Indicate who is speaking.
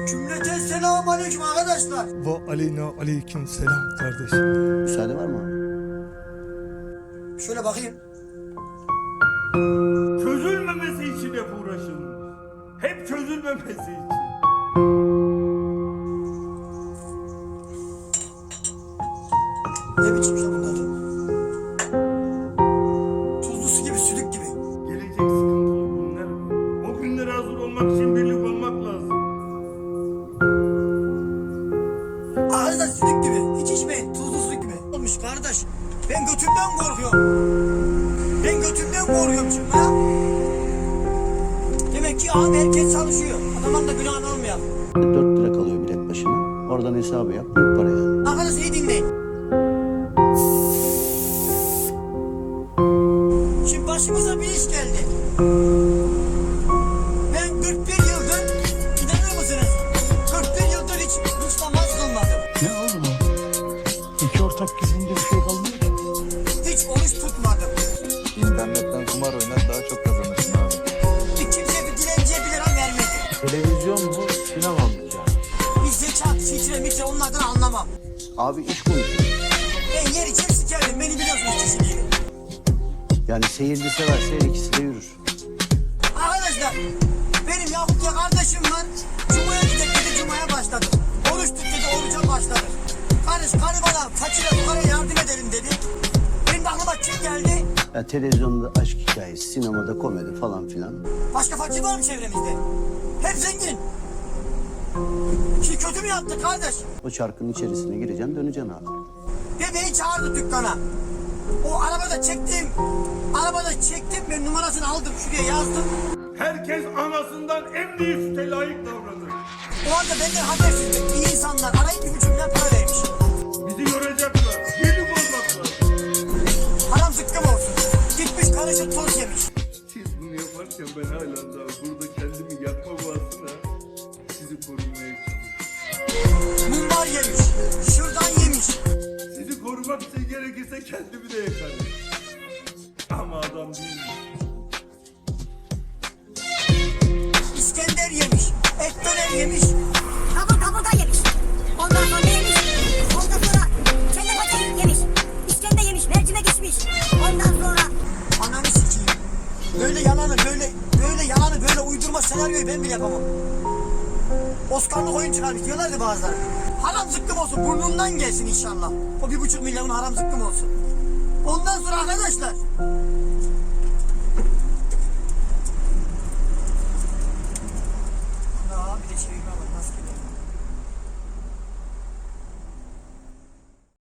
Speaker 1: Cümleten selamun aleyküm arkadaşlar.
Speaker 2: Ve aleyna aleyküm selam kardeş.
Speaker 3: Müsaade var mı abi?
Speaker 1: Şöyle bakayım.
Speaker 4: Çözülmemesi için hep uğraşılmış. Hep çözülmemesi için.
Speaker 1: Ne biçim ya bunlar? Tuzlu su gibi, sülük gibi.
Speaker 4: Gelecek sıkıntılı günler var. O günlere hazır olmak için birlik olmak lazım.
Speaker 1: Arkadaşlar sülük gibi. Hiç içmeyin. Tuzlu su gibi. Olmuş kardeş. Ben götümden korkuyorum. Ben götümden korkuyorum şimdi ha. Demek ki abi herkes çalışıyor. Adamın da günahını almayalım.
Speaker 3: 4 lira kalıyor bilet başına. Oradan hesabı yap. Büyük para yani.
Speaker 1: Arkadaşlar iyi dinleyin. Şimdi başımıza bir iş geldi. Ben 41 yıldır, inanır mısınız? 41 yıldır hiç namaz kılmadım.
Speaker 2: Ne oğlum o? İki ortak gizlince bir şey kalmıyor ki.
Speaker 1: Hiç oruç tutmadım.
Speaker 5: İnternetten kumar oynar daha çok kazanırsın abi.
Speaker 1: Bir kimse bir dilenciye 1 lira vermedi.
Speaker 5: Televizyon mu, sinema mı yani?
Speaker 1: Bir zekat, fitre, mitre onlardan anlamam.
Speaker 3: Abi iş konuşuyor.
Speaker 1: Ben yer içer sikerdim, beni biliyorsunuz kişiliğimi.
Speaker 3: Yani seyirci severse her ikisi de yürür.
Speaker 1: Arkadaşlar, benim Yakup ya kardeşim var. Cuma'ya gidecek dedi, Cuma'ya başladı. Oruç tut dedi, oruca başladı. Kardeş, karı bana fakire fukara yardım edelim dedi. Benim aklıma kim geldi?
Speaker 3: Ya televizyonda aşk hikayesi, sinemada komedi falan filan.
Speaker 1: Başka fakir var mı çevremizde? Hep zengin. Ki kötü mü yaptı kardeş?
Speaker 3: O çarkın içerisine gireceksin, döneceksin abi.
Speaker 1: Bebeği çağırdı dükkana. O arabada çektim ben numarasını aldım şuraya yazdım.
Speaker 4: Herkes anasından en büyük süte layık davranır.
Speaker 1: O anda benden habersiz iyi insanlar arayıp 1,5 milyon para vermiş.
Speaker 4: Bizi yoracaklar. Birlik olmak lazım.
Speaker 1: Haram zıkkım olsun. Gitmiş karışı toz yemiş.
Speaker 4: Siz bunu yaparken ben hala daha burada kendimi yakma bahsına sizi korumaya çalışıyorum.
Speaker 1: Mumbar yemiş. Şuradan yemiş.
Speaker 4: Sizi korumak için gerekirse kendimi de yakarım. Ama adam değilim.
Speaker 1: İskender yemiş. Et döner yemiş.
Speaker 6: Kaburga yemiş. Ondan sonra yemiş. Ondan sonra kelle paça yemiş. İskender yemiş. Mercimek içmiş. Ondan sonra
Speaker 1: Ananı sikeyim. Böyle yalanı böyle uydurma senaryoyu ben bile yapamam. Oscar'lık oyun çıkarmış diyorlardı bazıları. Haram zıkkım olsun burnundan gelsin inşallah. O 1,5 milyonun haram zıkkım olsun. Ondan sonra arkadaşlar